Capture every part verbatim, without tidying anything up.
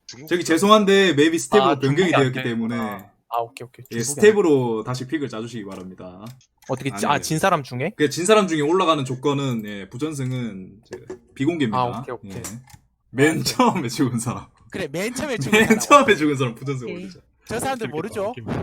저기 죄송한데 맵이 스텝으로 아, 변경이 중국이 안 되었기 되는구나. 때문에 아 오케이 오케이. 예, 중국이 스텝으로 다시 픽을 짜주시기 바랍니다. 어떻게 아니, 아진 사람 중에? 그 진 사람 중에 올라가는 조건은 예, 부전승은 이제 비공개입니다. 아, 오케이, 오케이. 예. 맨 아, 처음에 죽은 사람. 그래 맨 처음에 죽은 맨 사람. 처음에 죽은 사람 부전승 오케이. 올리자. 저 사람들 재밌겠다, 모르죠? 재밌겠다.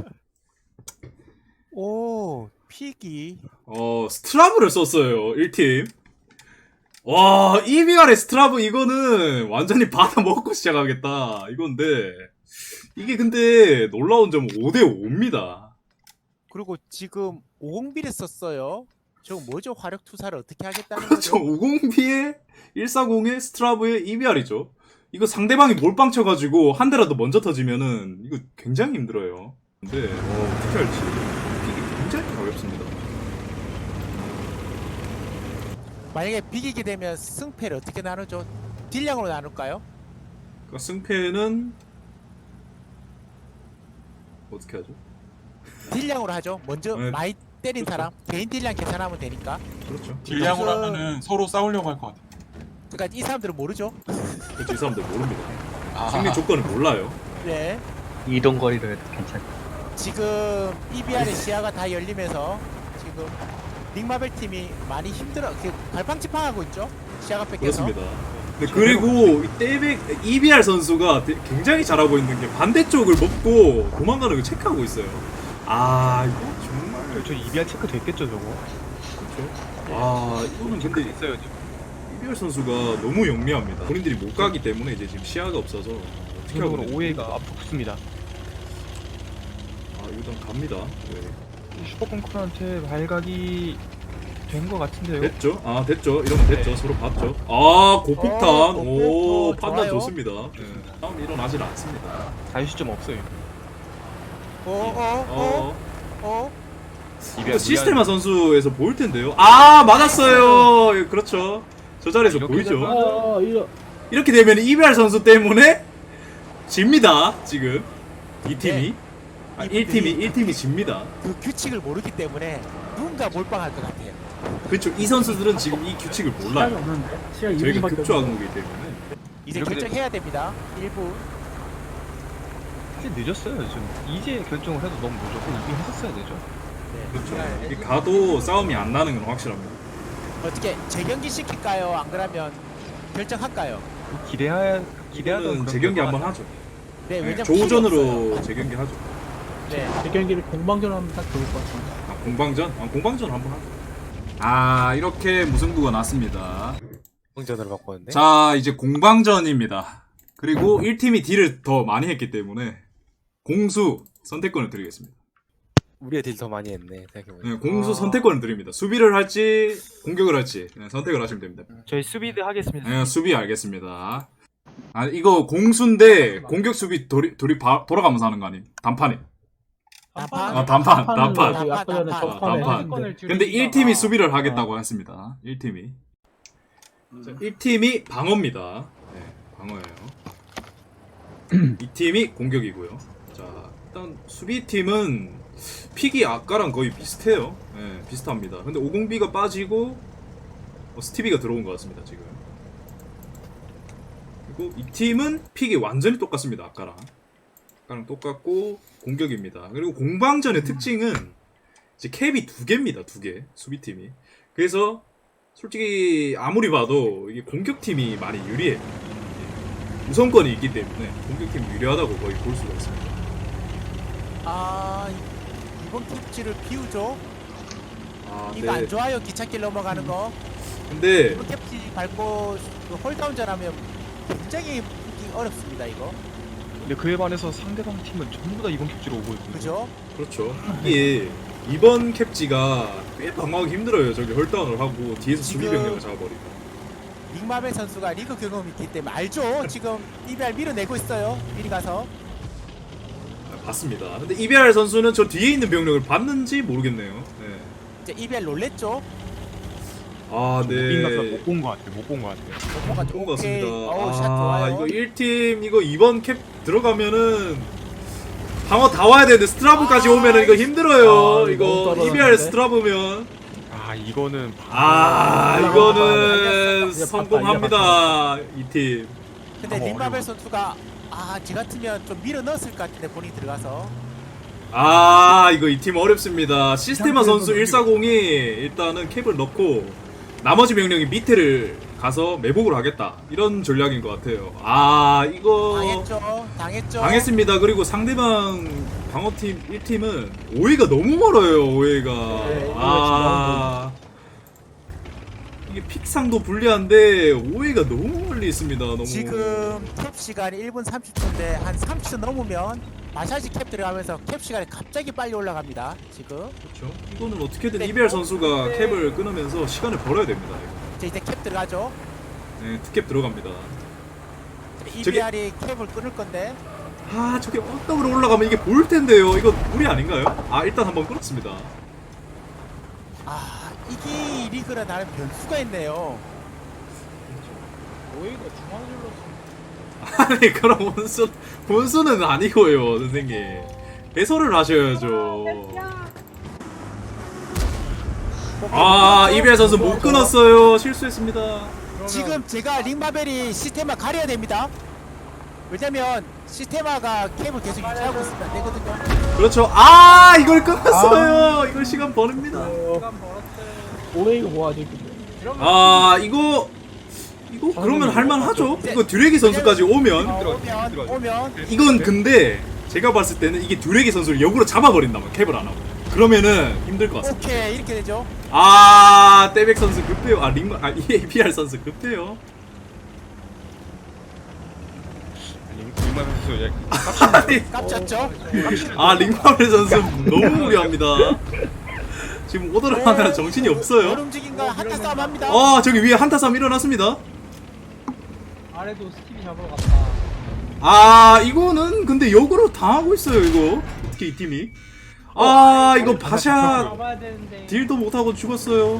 오 피기. 어 스트라브를 썼어요 일 팀. 와 이비알의 스트라브 이거는 완전히 받아 먹고 시작하겠다 이건데 이게 근데 놀라운 점은 오 대 오입니다. 그리고 지금 오공비를 썼어요. 저거 뭐죠? 화력 투사를 어떻게 하겠다는 그렇죠. 거죠? 오공비에 일사공에 스트라브에 이비알이죠. 이거 상대방이 몰빵 쳐가지고 한 대라도 먼저 터지면은 이거 굉장히 힘들어요. 근데 어, 어떻게 할지 이게 굉장히 가볍습니다. 만약에 비기게 되면 승패를 어떻게 나누죠? 딜량으로 나눌까요? 그러니까 승패는 어떻게 하죠? 딜량으로 하죠. 먼저 네. 많이 때린 그렇죠. 사람 개인 딜량 계산하면 되니까. 그렇죠. 딜량으로 지금- 하면은 서로 싸우려고 할 것 같아. 그러니까 이 사람들은 모르죠. 그렇죠. 이 사람들 모릅니다. 아, 승리 조건을 몰라요. 네. 이동 거리로 해도 괜찮아. 지금 이비알의 시야가 다 열리면서 지금 빅마벨 팀이 많이 힘들어. 그 갈팡질팡하고 있죠. 시야가 뺏겨서. 그렇습니다. 네, 그리고 이 떼백 이비알 선수가 되- 굉장히 잘하고 있는 게 반대쪽을 먹고 도망가는 걸 체크하고 있어요. 아 이거 정말 저 이비알 체크 됐겠죠 저거? 그렇죠. 아 이거는 근데 있어요 지금. 이비알 선수가 너무 영리합니다. 본인들이 못 가기 때문에 이제 지금 시야가 없어서 어떻게 하고 기본적으로 있는지 오해가 모르겠다. 앞서 붙습니다. 아 일단 갑니다. 네. 슈퍼컨크한테 발각이 된 것 같은데요. 됐죠? 아 됐죠. 이러면 됐죠. 네. 서로 봤죠. 아 고폭탄. 어, 오 고폭, 판단 좋아요. 좋습니다. 네. 싸움 일어나질 않습니다. 자유시점 없어요. 어어어 어, 어, 어. 이거 시스테마 선수에서 보일 텐데요. 아 맞았어요. 예, 그렇죠. 저 자리에서 이렇게 보이죠. 되면- 어, 이거 이렇게 되면 이비알 선수 때문에 집니다. 지금 이 팀이 아, 일 팀이 일 팀이 집니다. 그 규칙을 모르기 때문에 누군가 몰빵할 것 같아요. 그렇죠. 이 선수들은 지금 이 규칙을 시간이 몰라요. 없는데 시간 저희가 이 분밖에 급조 없는데. 항목이기 때문에. 이제 이렇게 결정해야 됩니다. 일 부. 이제 늦었어요 지금. 이제 결정을 해도 너무 늦었고 이미 했었어야 되죠. 네. 그렇죠. 이 가도 싸움이 안 나는 건 확실합니다. 어떻게 재경기 시킬까요? 안 그러면 결정할까요? 기대하 기대하던 이거는 그런 재경기 결과가 한번 하죠. 네, 네, 왜냐면 조전으로 필요 재경기 하죠. 없어요. 네. 제 경기를 공방전 하면 딱 좋을 것 같은데. 아, 공방전? 아, 공방전 한번 하죠. 아 이렇게 무승부가 났습니다. 공전으로 바꿨는데. 자 이제 공방전입니다. 그리고 일 팀이 딜을 더 많이 했기 때문에 공수 선택권을 드리겠습니다. 우리의 딜 더 많이 했네 생각해보니까. 네, 공수 아. 선택권을 드립니다. 수비를 할지 공격을 할지 네, 선택을 하시면 됩니다. 저희 수비드 하겠습니다. 네, 수비 알겠습니다. 아 이거 공수인데 공격 수비 돌이 돌이 바, 돌아가면서 하는 거 아님? 단판이. 단판? 아 단판 단판은 단판. 저기 아까 전에 단판, 첫판에 단판. 했는데. 근데 일 팀이 수비를 하겠다고 했습니다. 일 팀이. 자, 일 팀이 방어입니다. 네, 방어예요. 이 팀이 공격이고요. 자, 일단 수비팀은 픽이 아까랑 거의 비슷해요. 네, 비슷합니다. 근데 오공비가 빠지고 어, 스티비가 들어온 것 같습니다, 지금. 그리고 이 팀은 픽이 완전히 똑같습니다, 아까랑. 아까랑 똑같고 공격입니다. 그리고 공방전의 특징은 이제 캡이 두 개입니다, 두 개. 수비팀이. 그래서 솔직히 아무리 봐도 이게 공격팀이 많이 유리해요. 우선권이 있기 때문에 공격팀이 유리하다고 거의 볼 수가 있습니다. 아 이번 캡지를 비우죠. 아, 이거 안 네. 좋아요. 기찻길 넘어가는 거. 근데 이번 캡지 밟고 그 홀다운전 하면 굉장히 붙기 어렵습니다. 이거. 근데 그에 반해서 상대방 팀은 전부 다 이번 캡지로 오고 있고. 그죠? 그렇죠. 이게 이번 캡지가 꽤 방어하기 힘들어요. 저기 헐다운을 하고 뒤에서 수비 지금- 병력을 잡아버리고. 닉마벨 선수가 리그 경험이 있기 때문에 알죠. 지금 이비알 밀어내고 있어요. 미리 가서. 아, 봤습니다. 근데 이비알 선수는 저 뒤에 있는 병력을 봤는지 모르겠네요. 네. 이제 이비알 놀랬죠. 아, 네. 못본 것 같아요. 못 본 것 같아요. 뭔가 좋은 것 오케이. 같습니다. 어우, 샷 아, 좋아요. 이거 일 팀 이거 이번 캡 들어가면은 방어 다 와야 되는데 스트라브까지 아, 오면은 이거 힘들어요. 아, 이거 너무 떨어졌는데? 이비알 스트라브면 아 이거는 아, 아, 이거는 이제 성공합니다. 이 팀. 근데 방어 닉마벨 어려워. 선수가 아, 제 같으면 좀 밀어 넣었을 것 같은데 본인이 들어가서. 아 이거 이 팀 어렵습니다. 시스테마 선수 일사공이 일단은 캡을 넣고 나머지 명령이 밑에를 가서 매복을 하겠다 이런 전략인 것 같아요. 아 이거 당했죠. 당했죠. 당했습니다. 그리고 상대방 방어팀 일 팀은 오해가 너무 멀어요. 오해가 네, 아 이게 픽상도 불리한데 오해가 너무 멀리 있습니다. 너무 지금 캡 시간이 일 분 삼십 초인데 한 삼십 초 넘으면 마샤지 캡 들어가면서 캡 시간이 갑자기 빨리 올라갑니다. 지금. 그렇죠. 이거는 어떻게든 네. 이비알 선수가 네. 캡을 끊으면서 시간을 벌어야 됩니다. 이거. 자, 이제 캡 들어가죠. 네, 투캡 들어갑니다. 이비알이 캡을 끊을 건데. 아 저게 언덕으로 올라가면 이게 보일 텐데요. 이거 무리 아닌가요? 아 일단 한번 끊었습니다. 아, 이게 이 리그는 나름 변수가 있네요. 오히려 중앙일로 아니 그럼 원수 원수는 아니고요, 선생님. 해설을 하셔야죠. 아 이비알 선수 못 끊었어요. 실수했습니다. 지금 제가 링마벨이 시스테마 가려야 됩니다. 왜냐면 시스테마가 캡을 계속 유지하고 있으면 안 되거든요. 그렇죠. 아 이걸 끊었어요. 이걸 시간 버립니다. 오히려 뭐하지? 아 이거 이거 그러면 할만하죠. 이거 듀레기 선수까지 오면 어, 들어가, 오면 들어가. 오면 이건 근데 제가 봤을 때는 이게 듀레기 선수를 역으로 잡아버린다면 캡을 안 하고 그러면은 힘들 것 같습니다. 오케이 이렇게 되죠. 아 떼백 선수 급해요. 아 링마 아 이에이피알 선수 급해요. 링마 선수 이제 아니, 깝쳤죠. 아 링마벨 선수 너무 무리합니다. 지금 오더를 하느라 정신이 열 없어요. 움직임과 한타 싸움 합니다. 아 저기 위에 한타 싸움 일어났습니다. 아래도 스티비 잡으러 갔다. 아 이거는 근데 역으로 당하고 있어요. 이거 어떻게 이 팀이? 아 이거 바샤 잡아야 되는데. 딜도 못하고 죽었어요.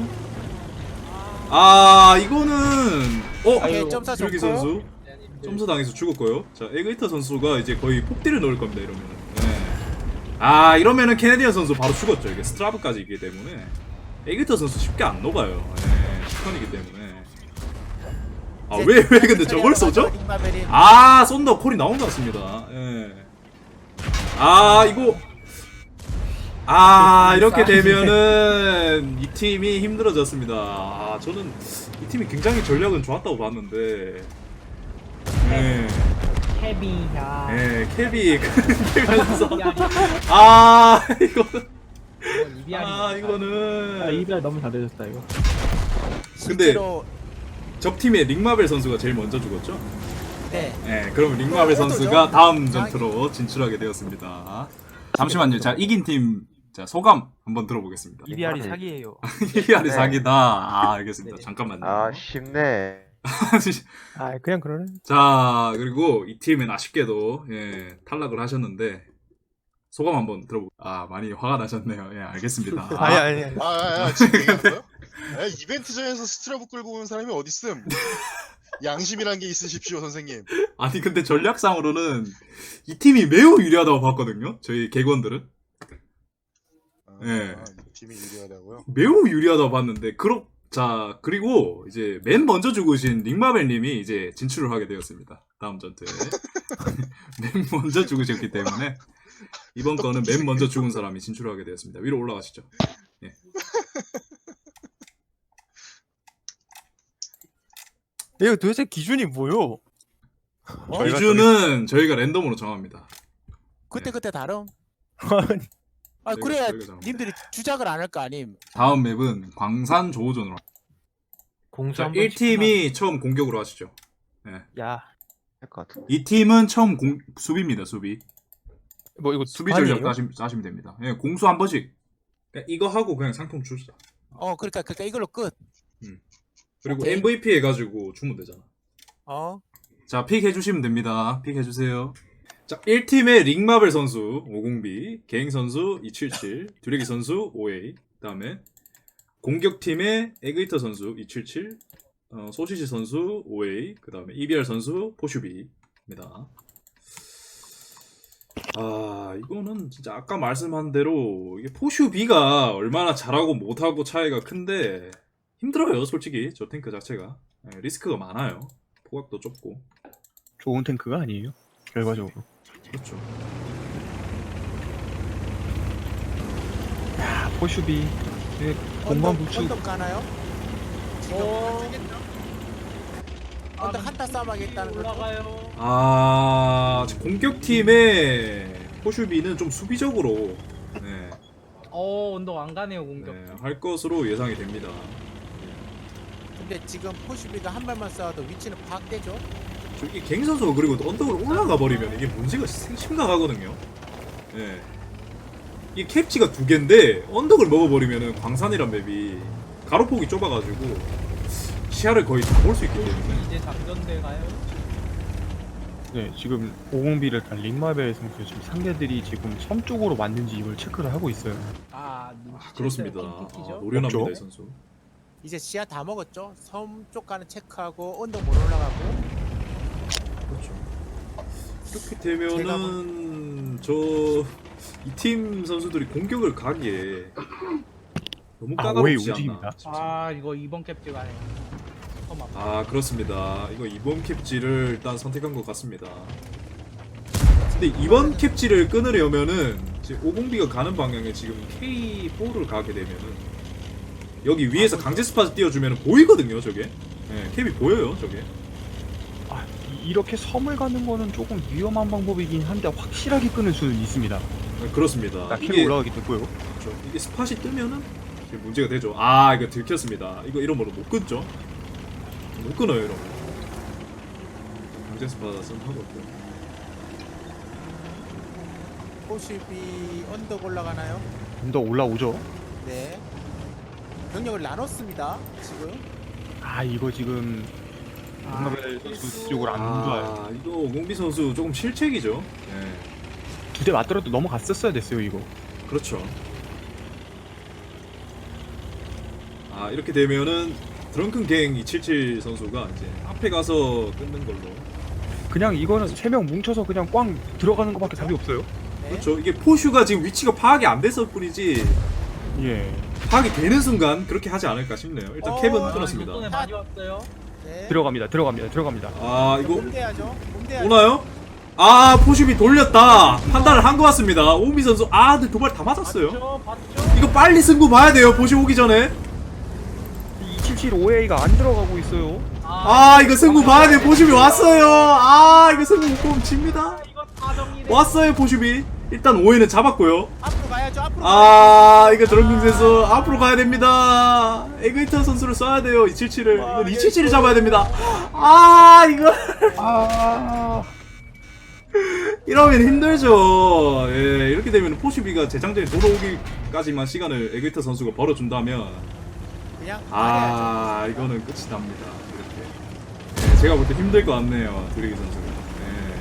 아 이거는 어 오케이 점사 듀레기 좋고. 선수 점수 당해서 죽었고요. 자 에그이터 선수가 이제 거의 폭딜을 넣을 겁니다. 이러면은. 네. 아 이러면은 캐네디언 선수 바로 죽었죠. 이게 스트라브까지 있기 때문에 에그이터 선수 쉽게 안 녹아요. 네. 스턴이기 때문에. 아 왜 왜 근데 저걸 쏘죠? 링마벨이 아 쏜다 콜이 나온 것 같습니다. 예. 아 이거 아 이렇게 되면은 이 팀이 힘들어졌습니다. 아 저는 이 팀이 굉장히 전략은 좋았다고 봤는데. 네. 헤비야. 네, 캡이 끊기면서 아 이거 이비알이. 아 이거는 아 이비알 너무 잘해줬다 이거. 실제로 적팀의 링마벨 선수가 제일 먼저 죽었죠? 네. 네, 그럼 링마벨 선수가 다음 전투로 진출하게 되었습니다. 잠시만요. 자, 이긴 팀 자, 소감 한번 들어보겠습니다. 이비알이 사기예요. 이비알이 사기다. 아, 알겠습니다. 네. 잠깐만요. 아 쉽네. 아 그냥 그러네. 자, 그리고 이 팀은 아쉽게도 예, 탈락을 하셨는데 소감 한번 들어보. 아, 많이 화가 나셨네요. 예, 알겠습니다. 아니 아니. 아니. 아, 아, 아 지금 얘기한 거요? 아, 이벤트장에서 스트라브 끌고 온 사람이 어딨음? 양심이란 게 있으십시오, 선생님. 아니 근데 전략상으로는 이 팀이 매우 유리하다고 봤거든요. 저희 객원들은 아, 예. 아, 이 팀이 유리하다고요? 매우 유리하다고 봤는데 그렇 자 그리고 이제 맨 먼저 죽으신 닉마벨님이 이제 진출을 하게 되었습니다. 다음 전투에 맨 먼저 죽으셨기 때문에 이번 거는 맨 먼저 죽은 사람이 진출하게 되었습니다. 위로 올라가시죠. 예. 이거 도대체 기준이 뭐요? 어? 기준은 저희가 랜덤으로 정합니다. 그때 그때 다름. 아 저희가- 그래야 저희가 정합니다. 님들이 주작을 안 할 거 아님. 다음 맵은 광산 조호전으로. 공수 자, 한번 일 팀이 처음 공격으로 하시죠. 야. 할 것 같은데. 이 팀은 처음 공, 수비입니다. 수비. 뭐 이거 수비 전략 짜시면, 짜시면 됩니다. 예, 공수 한 번씩. 그러니까 이거 하고 그냥 상품 주시다. 어 그러니까 그러니까 이걸로 끝. 그리고 오케이. 엠브이피 해가지고 주면 되잖아. 어. 자, 픽 해주시면 됩니다. 픽 해주세요. 자, 일 팀의 링마벨 선수 오공비, 개잉 선수 이칠칠, 듀레기 선수 오에이, 그 다음에 공격팀의 에그이터 선수 이칠칠, 어, 소시지 선수 오에이, 그 다음에 이비알 선수 포슈비입니다. 아, 이거는 진짜 아까 말씀한 대로 이게 포슈비가 얼마나 잘하고 못하고 차이가 큰데 힘들어요, 솔직히. 저 탱크 자체가. 예, 리스크가 많아요. 포각도 좁고. 좋은 탱크가 아니에요. 결과적으로. 그렇죠. 야, 포슈비. 네, 공간 언덕, 부축. 언덕 가나요? 지금 어. 언덕 한타 싸움 하겠다는 거죠? 올라가요. 아 지금 공격팀의 포슈비는 좀 수비적으로 네, 어 언덕 안 가네요 공격. 네, 할 것으로 예상이 됩니다. 근데 지금 포슈비가 한 발만 쏴도 위치는 파악되죠? 저기 갱 선수가 그리고 언덕으로 올라가 버리면 이게 문제가 심- 심각하거든요. 예. 이 캡치가 두 개인데 언덕을 먹어버리면은 광산이란 맵이 가로폭이 좁아가지고 시야를 거의 다 볼 수 있기 때문에 이제 장전대 가요. 네, 지금 오공비를 단 링마벨 선수 지금 상대들이 지금 섬 쪽으로 왔는지 이걸 체크를 하고 있어요. 아, 아, 그렇습니다. 아, 킥킥이죠. 노련합니다 없죠? 이 선수. 이제 시야 다 먹었죠? 섬 쪽 가는 체크하고 언덕 못 올라가고 그렇죠. 이렇게 되면은 저 이 팀 선수들이 공격을 가기에 너무 아, 까다롭지 웨이 않나. 움직입니다. 싶습니다. 아 이거 이번 캡지 가요. 섬 앞. 아 그렇습니다. 이거 이번 캡지를 일단 선택한 것 같습니다. 근데 이번 캡지를 끊으려면은 지금 오공비가 가는 방향에 지금 케이 포를 가게 되면은 여기 위에서 강제 스팟 띄워주면 보이거든요 저게. 네, 캡이 보여요 저게. 아, 이- 이렇게 섬을 가는 거는 조금 위험한 방법이긴 한데 확실하게 끊을 수는 있습니다. 네, 그렇습니다. 나 캐로 이게 올라가기 됐고요. 그렇죠. 이게 스팟이 뜨면은 이게 문제가 되죠. 아 이거 들켰습니다. 이거 이런 거로 못 끊죠. 못 끊어요 이런 거. 강제 스팟은 하고 있고. 포슈비 언덕 올라가나요? 좀 더 올라오죠. 네. 병력을 나눴습니다. 지금. 아, 이거 지금 아, 링마벨 선수 쪽으로 안 좋아요. 아 이거 오공비 선수 조금 실책이죠. 네. 두 대 맞더라도 넘어갔었어야 됐어요 이거. 그렇죠. 아 이렇게 되면은 드렁큰 갱 이백칠십칠 선수가 이제 앞에 가서 끊는 걸로. 그냥 이거는 세 명 뭉쳐서 그냥 꽝 들어가는 것밖에 답이 없어요. 네. 그렇죠. 이게 포슈가 지금 위치가 파악이 안 됐을 뿐이지 예. 파악이 되는 순간 그렇게 하지 않을까 싶네요. 일단 어, 캡은 아, 끊었습니다. 손에 많이 왔어요. 네. 들어갑니다. 들어갑니다. 들어갑니다. 아 이거 봄대야죠. 봄대야죠. 오나요? 아 포슈비 돌렸다. 판단을 한 것 같습니다. 오미 선수 아 근데 도발 다 맞았어요. 봤죠, 봤죠. 이거 빨리 승부 봐야 돼요. 포슈 오기 전에. 이백칠십칠 오에이가 안 들어가고 있어요. 아 이거 승부 봐야 돼요. 포슈비 왔어요. 아 이거 승부 못 보면 집니다. 아, 이거 사정이네. 왔어요 포슈비. 일단 오해는 잡았고요. 앞으로 가야죠. 앞으로. 아 이거 드렁큰 선수 앞으로 가야 됩니다. 에그이터 선수를 써야 돼요. 이백칠십칠을. 이건 이백칠십칠을 잡아야 됩니다. 아 이거 아. 이러면 힘들죠. 예, 이렇게 되면 포슈비가 재장전에 돌아오기까지만 시간을 에그이터 선수가 벌어준다면 그냥 가야죠. 아 이거는 끝이 납니다. 이렇게. 예, 제가 볼 때 힘들 것 같네요. 드래기 선수가. 예.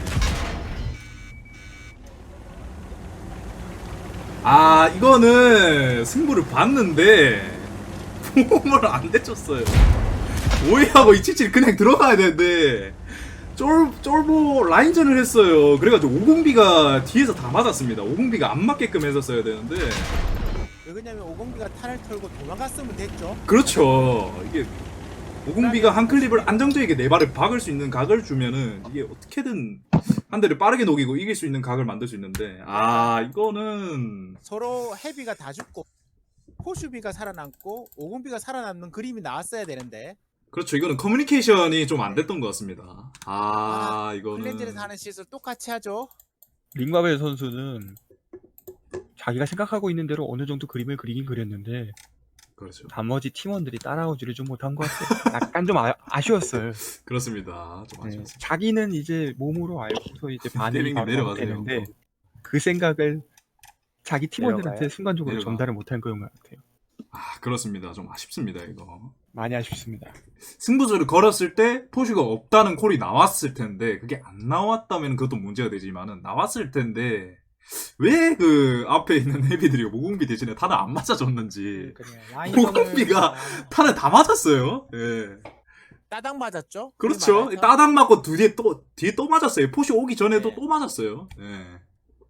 아 이거는 승부를 봤는데 폼을 안 대줬어요. 오해하고 이백칠십칠 그냥 들어가야 되는데 쫄, 쫄보 라인전을 했어요. 그래가지고 오공비가 뒤에서 다 맞았습니다. 오공비가 안 맞게끔 했었어야 되는데 왜 그러냐면 오공비가 탄을 털고 도망갔으면 됐죠. 그렇죠. 이게 오공비가 한 클립을 안정적이게 네 발을 박을 수 있는 각을 주면은 이게 어떻게든 한 대를 빠르게 녹이고 이길 수 있는 각을 만들 수 있는데 아 이거는 서로 헤비가 다 죽고 포슈비가 살아남고 오공비가 살아남는 그림이 나왔어야 되는데 그렇죠. 이거는 커뮤니케이션이 좀 안 됐던 것 같습니다. 아 이거는 클렌즈에서 하는 실수 똑같이 하죠. 링마벨 선수는 자기가 생각하고 있는 대로 어느 정도 그림을 그리긴 그렸는데 그렇죠. 나머지 팀원들이 따라오지를 좀 못한 것 같아요. 약간 좀 아, 아쉬웠어요. 그렇습니다. 좀 네, 아쉬웠습니다. 자기는 이제 몸으로 알고서 이제 반응이 때리는 게 바로 내려가세요. 되는데 그 생각을 자기 팀원들한테 내려가요? 순간적으로 내려가. 전달을 못한 그런 것 같아요. 아 그렇습니다. 좀 아쉽습니다. 이거. 많이 아쉽습니다. 승부수를 걸었을 때 포슈가 없다는 콜이 나왔을 텐데 그게 안 나왔다면 그것도 문제가 되지만은 나왔을 텐데 왜 그 앞에 있는 헤비들이 오공비 대신에 탄을 안 맞아줬는지 오공비가 탄을 다 맞았어요. 예. 따당 맞았죠. 그렇죠. 그게 맞아서 따닥 맞고 뒤에 또 뒤에 또 맞았어요. 포슈 오기 전에도 네. 또 맞았어요. 예.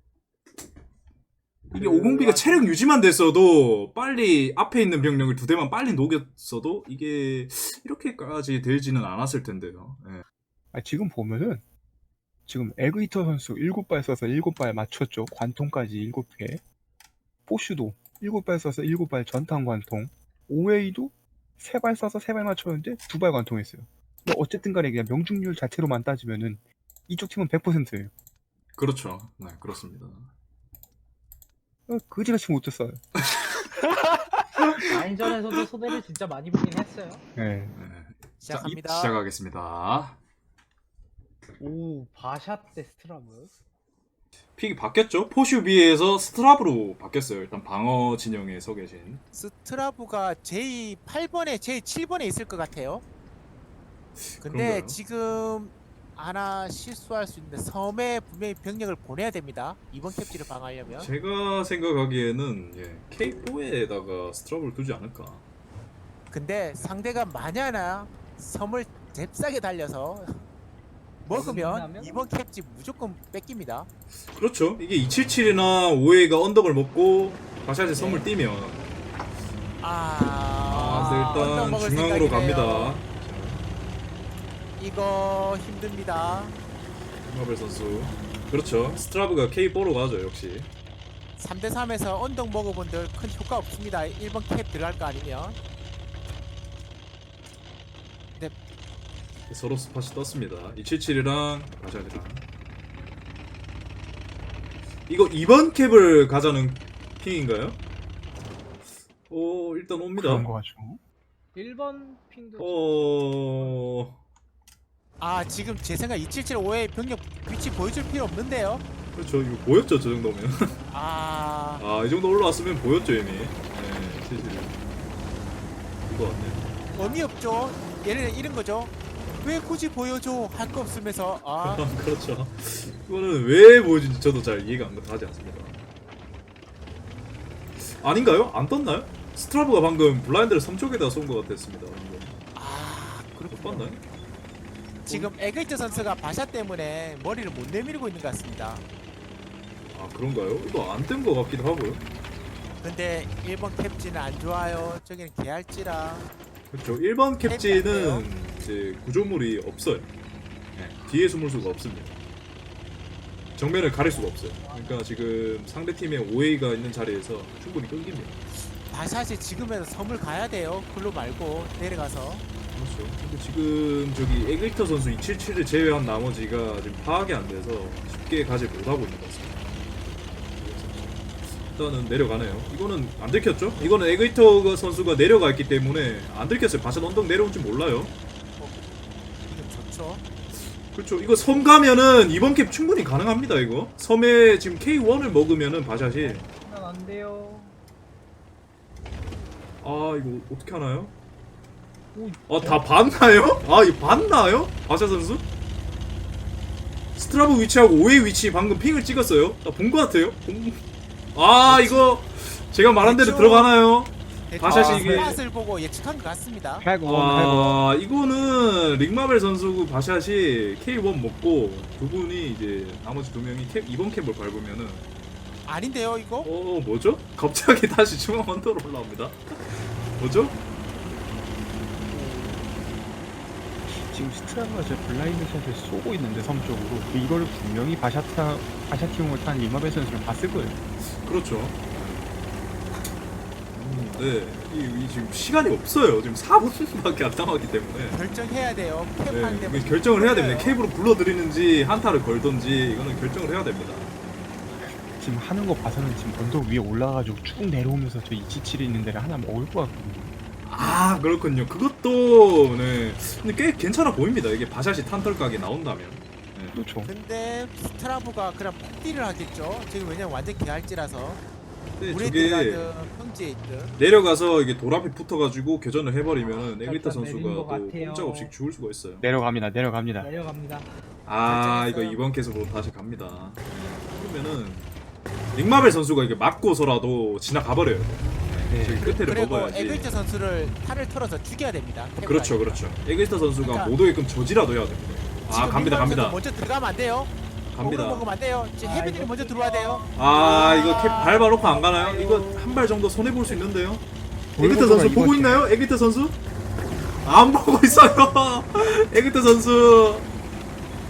이게 오공비가 체력 유지만 됐어도 빨리 앞에 있는 병력을 두 대만 빨리 녹였어도 이게 이렇게까지 되지는 않았을 텐데요. 예. 아, 지금 보면은 지금 에그이터 선수 일곱 발 써서 일곱 발 맞췄죠. 관통까지 일곱 개. 포슈도 일곱 발 써서 일곱 발 전탄 관통. 오웨이도 세 발 써서 세 발 맞췄는데 두 발 관통했어요. 뭐 어쨌든 간에 그냥 명중률 자체로만 따지면은 이쪽 팀은 백 퍼센트예요. 그렇죠. 네, 그렇습니다. 어, 그지같이 못했어요. 라인전에서도 손해를 진짜 많이 보긴 했어요. 네. 네. 시작합니다. 자, 이- 시작하겠습니다. 오, 바샷 대 스트라브. 픽이 바뀌었죠? 포슈비에서 스트라브로 바뀌었어요. 일단 방어 진영에 서 계신. 스트라브가 제이 팔 번에 제이 칠 번에 있을 것 같아요. 근데 그런가요? 지금 하나 실수할 수 있는데 섬에 분명히 병력을 보내야 됩니다. 이번 캡지를 방어하려면. 제가 생각하기에는 예, 케이 포에다가 스트라브를 두지 않을까. 근데 상대가 만약나 섬을 잽싸게 달려서 먹으면 먹는다면? 이번 캡지 무조건 뺏깁니다. 그렇죠. 이게 이칠칠이나 오웨이가 언덕을 먹고 바샷이 섬을 뛰면 아, 아, 근데 언덕 일단 먹을 중앙으로 생각이네요. 갑니다. 이거 힘듭니다. 마벨 선수. 그렇죠. 스트라브가 케이 포로 가죠, 역시. 삼 대 삼에서 언덕 먹어본들 큰 효과 없습니다. 일 번 캡 들어갈 거 아니면. 서로 스팟이 떴습니다. 이칠칠이랑 바샷이랑. 이거 이 번 캡을 가자는 핑인가요? 오, 일단 옵니다. 그런 거 같죠. 일 번 핑도 어... 아, 지금 제 생각 이칠칠오의 병력 위치 보여줄 필요 없는데요. 그렇죠. 이거 보였죠, 저 정도면. 아, 아, 이 정도 올라왔으면 보였죠, 이미. 네, 칠칠. 이거 같네. 의미 없죠. 얘는 이런 거죠. 왜 굳이 보여줘 할 거 없으면서 아, 그렇죠. 이거는 왜 보여준지 저도 잘 이해가 안 가지 않습니다. 아닌가요? 안 떴나요? 스트라브가 방금 블라인드를 섬 쪽에다 쏜 것 같았습니다. 방금. 아, 못 그렇군요. 봤나요? 지금 에그이트 선수가 바샷 때문에 머리를 못 내밀고 있는 것 같습니다. 아, 그런가요? 이거 안 뜬 것 같기도 하고요. 근데 일 번 캡지는 안 좋아요. 저기는 개할지라. 그렇죠. 일 번 캡지는 땡땡해요. 이제 구조물이 없어요. 네, 뒤에 숨을 수가 없습니다. 정면을 가릴 수가 없어요. 그러니까 지금 상대 팀의 오웨이가 있는 자리에서 충분히 끊깁니다. 바샷이 지금에서 섬을 가야 돼요. 글로 말고 내려가서. 그렇죠. 근데 지금 저기 에그리터 선수 이칠칠을 제외한 나머지가 지금 파악이 안 돼서 쉽게 가지 못하고 있는 것 같습니다. 일단은 내려가네요. 이거는 안 들켰죠? 이거는 에그리터 선수가 내려가 있기 때문에 안 들켰어요. 바샷 언덕 내려온 줄 몰라요. 이거 좋죠. 그렇죠. 이거 섬 가면은 이번 캡 충분히 가능합니다. 이거 섬에 지금 케이 원을 먹으면은 바샷이 치면 안 돼요. 아 이거 어떻게 하나요? 오, 아 다 봤나요? 아 이거 봤나요? 바샷 선수? 스트라브 위치하고 오웨이 위치 방금 핑을 찍었어요. 나 본 것 같아요. 본- 아 이거 제가 말한 대로 그렇죠. 들어가나요? 바샷이 샷 이게- 을 보고 예측한 것 같습니다. 핵원, 핵원. 아 이거는 릭마벨 선수 바샷이 케이 원 먹고 두 분이 이제 나머지 두 명이 캡 이번 캡을 밟으면은 아닌데요, 이거? 어 뭐죠? 갑자기 다시 중앙 언더로 올라옵니다. 뭐죠? 지금 스트라브가 제 블라인드 샷을 쏘고 있는데 섬 쪽으로 이거를 분명히 바샤타 바샤티용을 탄 리마벨 선수를 봤을 거예요. 그렇죠. 음, 네, 이, 이 지금 시간이 없어요. 지금 사 분밖에 안 남았기 때문에. 결정해야 돼요. 캡 네, 하는데 이게 결정을 해야 됩니다. 케이블로 불러들이는지 한타를 걸던지 이거는 결정을 해야 됩니다. 지금 하는 거 봐서는 지금 언덕 위에 올라가지고 쭉 내려오면서 저 이칠칠이 있는 데를 하나 먹을 것 같거든요. 아 그렇군요. 그것도 네, 근데 꽤 괜찮아 보입니다. 이게 바샷이 탄털각이 나온다면. 네. 그렇죠. 근데 스트라브가 그냥 폭딜을 하겠죠. 지금 왜냐면 완전 개할지라서 근데 물에 저게 들어가든 평지에 있든. 내려가서 이게 돌 앞에 붙어가지고 교전을 해버리면 에그리터 살짝 선수가 내린 또 것 같아요. 꼼짝없이 죽을 수가 있어요. 내려갑니다. 내려갑니다. 내려갑니다. 아 이거 결정했어요. 이번 캐스로 다시 갑니다. 그러면은 릭마벨 선수가 이게 맞고서라도 지나가 버려요. 네. 지금 끝에를 그리고 먹어야지. 에그이트 선수를 탈을 털어서 죽여야 됩니다. 캡을 그렇죠, 하니까. 그렇죠. 에그리터 선수가 그러니까 못 오게끔 저지라도 해야 됩니다. 아 지금 갑니다, 민망 갑니다, 선수 먼저 들어가면 안 돼요. 갑니다. 먹으면 먹으면 안 돼요. 지금 아, 해빈이 이거 먼저 들어와야 돼요. 아 이거 캡 밟아놓고 안 가나요? 이거 한 발 정도 손해 볼 수 있는데요. 에그리터 돌고도가 선수 보고 이거 있나요? 에그리터 선수? 안 보고 있어요. 에그리터 선수.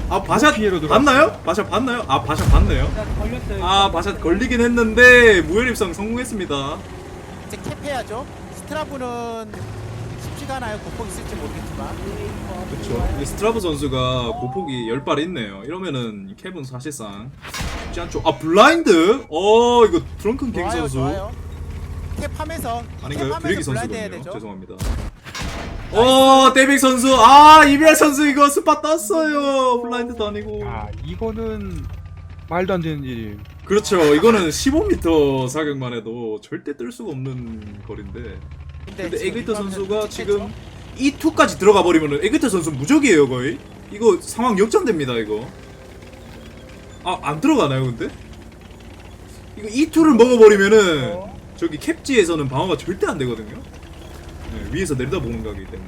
아 바샷 피해로 들어왔어요. 봤나요? 바샷 봤나요? 아 바샷 봤네요. 바샷 걸렸어요. 아 바샷 걸리긴 했는데 무혈 입성 성공했습니다. 이제 캡해야죠. 스트라브는 쉽지가 않아요. 고폭 있을지 모르겠지만. 그렇죠. 스트라브 선수가 고폭이 열 발 있네요. 이러면은 캡은 사실상 쉽지 않죠. 아 블라인드? 어 이거 드렁큰 갱 좋아요, 선수 좋아요. 캡하면서 아닌가요? 캡하면서 드래기 블라인드 해야 선수군요. 되죠. 죄송합니다. 어 데빅 선수 아 이비알 선수 이거 스팟 땄어요. 블라인드도 아니고. 아 이거는 말도 안 되는 일이에요. 그렇죠. 이거는 십오 미터 사격만 해도 절대 뜰 수가 없는 거리인데. 근데 지금 에그리터 이거는 선수가 찍혔죠? 지금 이 투까지 들어가 버리면은 에그리터 선수 무적이에요 거의. 이거 상황 역전됩니다 이거. 아 안 들어가나요 근데? 이거 이 투를 먹어버리면은 저기 캡지에서는 방어가 절대 안 되거든요. 네, 위에서 내려다보는 거기 때문에.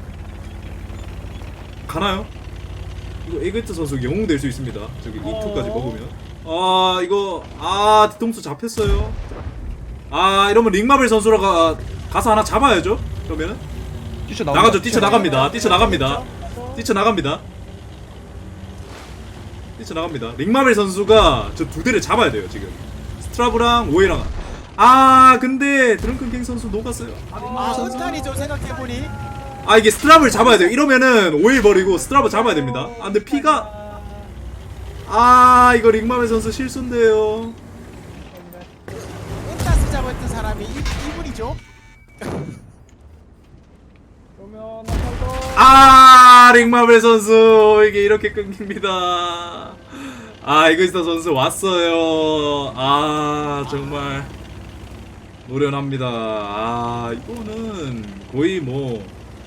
가나요? 이거 에그리터 선수 영웅 될 수 있습니다. 저기 이 투까지 먹으면. 아 이거 아 뒤통수 잡혔어요. 아 이러면 링마벨 선수라가 가서 하나 잡아야죠. 그러면은 뛰쳐 나가죠. 뛰쳐 나갑니다. 뛰쳐 나갑니다. 뛰쳐 나갑니다. 뛰쳐 나갑니다. 링마벨 선수가 저 두 대를 잡아야 돼요 지금. 스트라브랑 오해랑. 아 근데 드렁큰 갱 선수 녹았어요. 아, 은탄이죠. 생각해보니. 아 이게 스트라브를 잡아야 돼요. 이러면은 오해 버리고 스트라브 잡아야 됩니다. 아 근데 피가 아 이거 링마벨 선수 실수인데요. 은탄스 잡았던 사람이 이, 이분이죠. 그러면 한번더 아 링마벨 선수 이게 이렇게 끊깁니다. 아 이그스터 선수 왔어요. 아 정말 노련합니다. 아 이거는 거의 뭐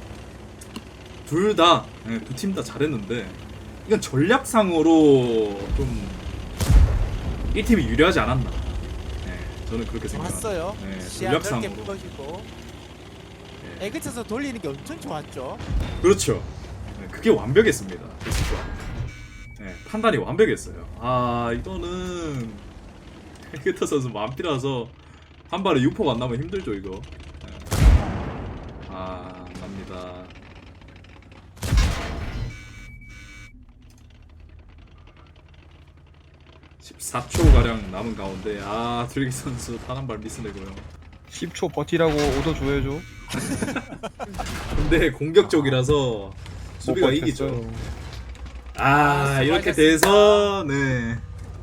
둘 다 두 팀 다 잘했는데 이건 전략상으로 좀 이 팀이 유리하지 않았나. 네, 저는 그렇게 생각합니다. 왔어요. 네, 시야 넓게 전략상으로. 풀어주고. 네. 에그쳐서 돌리는 게 엄청 좋았죠. 그렇죠. 네, 그게 완벽했습니다. 진짜. 네, 판단이 완벽했어요. 아 이거는 헤게터 선수 만피라서 한 발에 육 포가 안 나면 힘들죠 이거. 네. 아 납니다. 십사 초 가량 남은 가운데 아 드래기 선수 단 한 발 미스내고요. 십 초 버티라고 오더 줘야죠. 근데 공격적이라서 못 수비가 버텼어요. 이기죠. 아, 아, 이렇게 수고하셨습니다. 돼서 네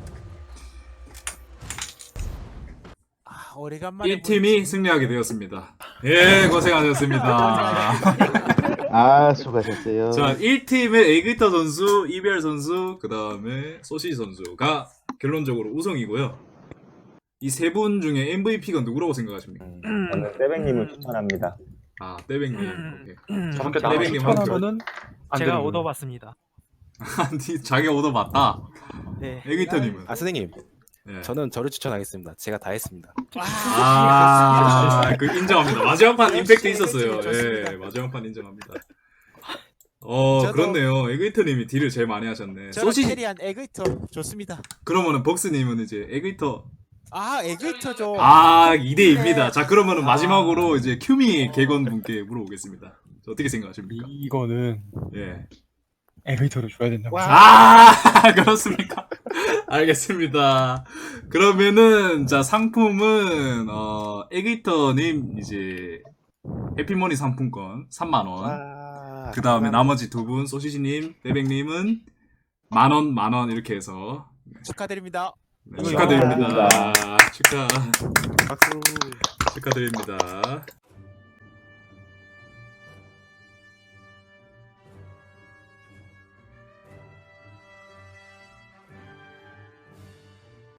아, 오래간만에 일 팀이 승리하게 되었습니다. 예 고생하셨습니다. 아, 수고하셨어요. 자 일 팀의 에그리터 선수, 이비알 선수, 그 다음에 소시지 선수가 결론적으로 우승이고요. 이 세 분 중에 엠브이피가 누구라고 생각하십니까? 저는 세뱅님을 추천합니다. 아 떼백님. 오케이. 저렇게 나만 나만 떼백님 한 표. 추천하면은 안 제가 되는 오더 거예요. 받습니다. 아니 자기 오더 맞다. 네. 에그리터님은. 아 선생님 네. 저는 저를 추천하겠습니다. 제가 다 했습니다. 아, 그 인정합니다. 마지막 판 임팩트 있었어요. 좋습니다. 예, 마지막 판 인정합니다. 어, 저도- 그렇네요. 에그이터님이 딜을 제일 많이 하셨네. 저는 소시, 캐리한 에그이터 좋습니다. 그러면은 벅스님은 이제 에그이터. 아 에그이터죠. 아, 이 대이입니다. 네. 자, 그러면은 아. 마지막으로 이제 큐미 개건 분께 물어보겠습니다. 저 어떻게 생각하십니까? 이거는 예. 에그리터를 줘야 된다고. 와. 아, 그렇습니까? 알겠습니다. 그러면은, 자, 상품은, 어, 에그이터님, 이제, 해피머니 상품권 삼만 원. 와, 그 다음에 나머지 두 분, 소시지님, 빼백님은 만 원, 만 원 이렇게 해서 축하드립니다. 네, 축하드립니다. 감사합니다. 축하, 박수. 축하드립니다.